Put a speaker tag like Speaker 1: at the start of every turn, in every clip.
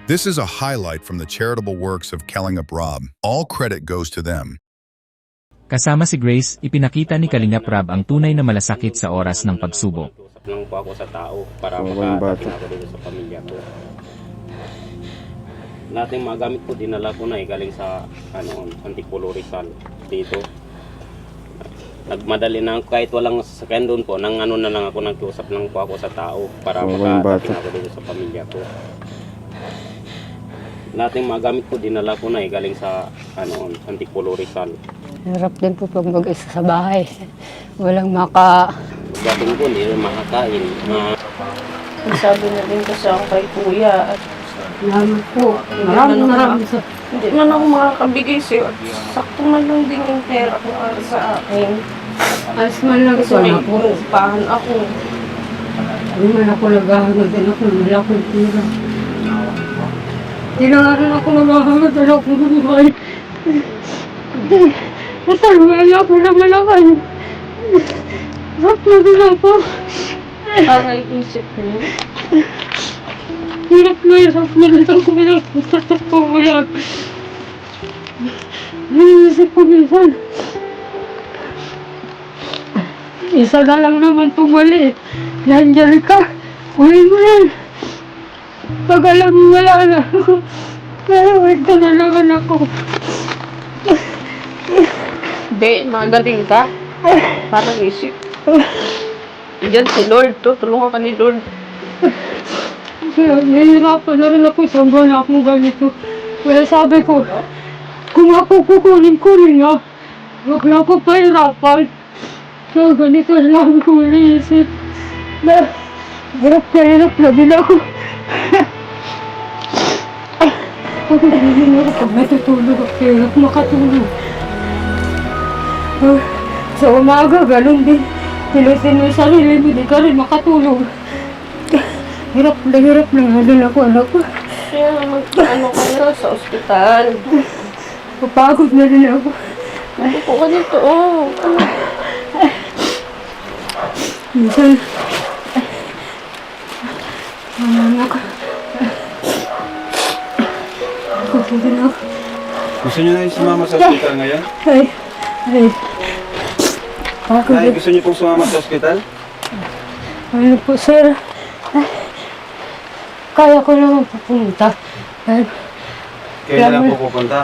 Speaker 1: This is a highlight from the charitable works of Kalingap Rob. All credit goes to them.
Speaker 2: Kasama si Grace, ipinakita ni Kalingap Rob ang tunay na malasakit sa oras ng pagsubok.
Speaker 3: Usap lang po ako sa tao para makatakin ako dito sa pamilya ko. Lahat ng mga gamit ko dinala ko na galing sa Antipolo Rizal dito. Nagmadali na kahit walang sasakyan doon po, na lang ako, nagkiusap lang po ako sa tao para makatakin ako dito sa pamilya ko. Lahat ng mga gamit ko dinala ko na galing sa Antipolo Rizal.
Speaker 4: Hirap din po pag mag-isa sa bahay. Walang maka...
Speaker 3: Gating ko, hindi rin makakain.
Speaker 5: Sabi na din kasi ako kay kuya at
Speaker 4: Salamat po. Maraming
Speaker 5: hindi man ako makakabigay sa'yo. Sakto man lang din yung pera ko para sa akin.
Speaker 4: Ayos man lang
Speaker 5: Kasi
Speaker 4: ito
Speaker 5: may
Speaker 4: ako.
Speaker 5: upahan ako.
Speaker 4: Hindi man ako naghahangad din ako. Wala akong tira. Hindi na nga rin ako naghahangad. Wala akong buhay. Nasalwaya ako na malakay. Hirap na din ako.
Speaker 5: Para isip ko.
Speaker 4: Hirap na din ako. Hirap ko umiyak. Naisip ko minsan. Isa na lang naman pumali. Nandiyan ka. Uwi mo yan. Pag alam mo wala na ako. Pero wait ka na naman ako.
Speaker 5: Hindi, magaling ka. Parang isip. Diyan si Lord, tulungan ka ni Lord.
Speaker 4: Kaya nahihirapan na rin ako sa buwan akong ganito. Kaya sabi ko, kung ako kukunin niya, huwag na ako pahirapan. So ganito lang ko iniisip. Na hirap na din ako. Pag nagiging ako, pag natutulog ako, hirap makatulog. Sa umaga, ganun din. Tilisin mo yung sarili mo, di ka rin makatulog. Hirap na din ako, anak ko.
Speaker 5: Kaya ka na sa ospital.
Speaker 4: Papagod na din ako.
Speaker 5: Upo ka dito,
Speaker 4: Minsan, anak, ako din ako.
Speaker 6: Gusto niyo na yung sumama sa ospital ngayon?
Speaker 4: Ay. Ako
Speaker 6: Nay,
Speaker 4: din.
Speaker 6: gusto niyo pong sumama sa ospital?
Speaker 4: Ano po, sir? Kaya ko naman pupunta.
Speaker 6: Kaya na lang po pupunta.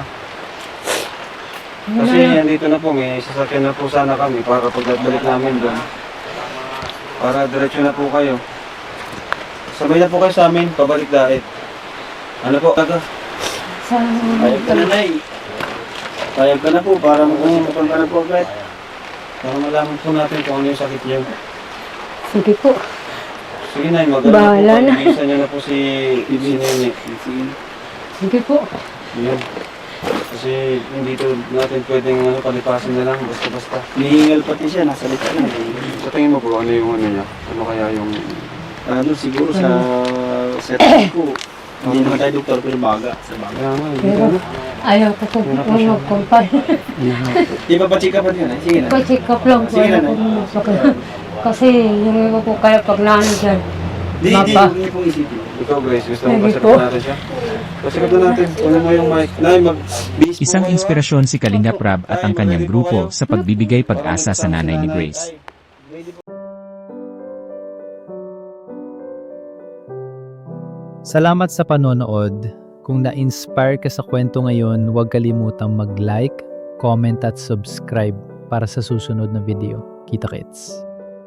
Speaker 6: Kasi andito na po, may sasakyan na po sana kami para pagbalik namin doon. Para diretso na po kayo. Sabay na po kayo sa amin, pabalik dait. Ano po? Payag ka na, Nay. Payag ka na po para magpupunta ka na po agad. Para malaman po natin kung ano yung sakit niyo.
Speaker 4: Sige po.
Speaker 6: Sige, Nay, maganda
Speaker 4: Bahala
Speaker 6: po.
Speaker 4: na.
Speaker 6: Pag-iisa niyo na po si Nene.
Speaker 4: Sige po.
Speaker 6: Yun. Kasi hindi to natin pwedeng palipasin na lang basta-basta. Nihingal pati siya, nasa likod na. Sa tingin mo po, ano yung ano niya? Ano kaya yung...
Speaker 7: Ano siguro sa setup ko, hindi naman tayo doktor pero baga. Sa baga.
Speaker 6: Kaya nga,
Speaker 4: Pero ayaw ko po mag-compare.
Speaker 7: Di ba pa-check up yun? Sige na.
Speaker 4: Pa-check up lang po.
Speaker 7: Sige na,
Speaker 4: Ayaw ko kasi yung iba po kaya pag naano dyan.
Speaker 7: Di,
Speaker 4: Mapa.
Speaker 7: hindi po isipin.
Speaker 6: Ikaw, Grace, gusto mo
Speaker 4: Sige
Speaker 6: pasakit
Speaker 4: po.
Speaker 6: natin siya? Pasakit na natin. Kunin mo yung mic. Nay, mag-bis mo
Speaker 2: Isang
Speaker 6: kayo,
Speaker 2: inspirasyon si Kalingap Rob at ang
Speaker 6: Nay,
Speaker 2: kanyang
Speaker 6: mag-ready po
Speaker 2: grupo
Speaker 6: kayo.
Speaker 2: sa pagbibigay
Speaker 6: Para
Speaker 2: pag-asa sa
Speaker 6: mag-start
Speaker 2: nanay ni
Speaker 6: si
Speaker 2: Grace.
Speaker 6: Ay, ready po.
Speaker 8: Salamat sa panonood. Kung na-inspire ka sa kwento ngayon, huwag kalimutang mag-like, comment at subscribe para sa susunod na video. Kita-kits!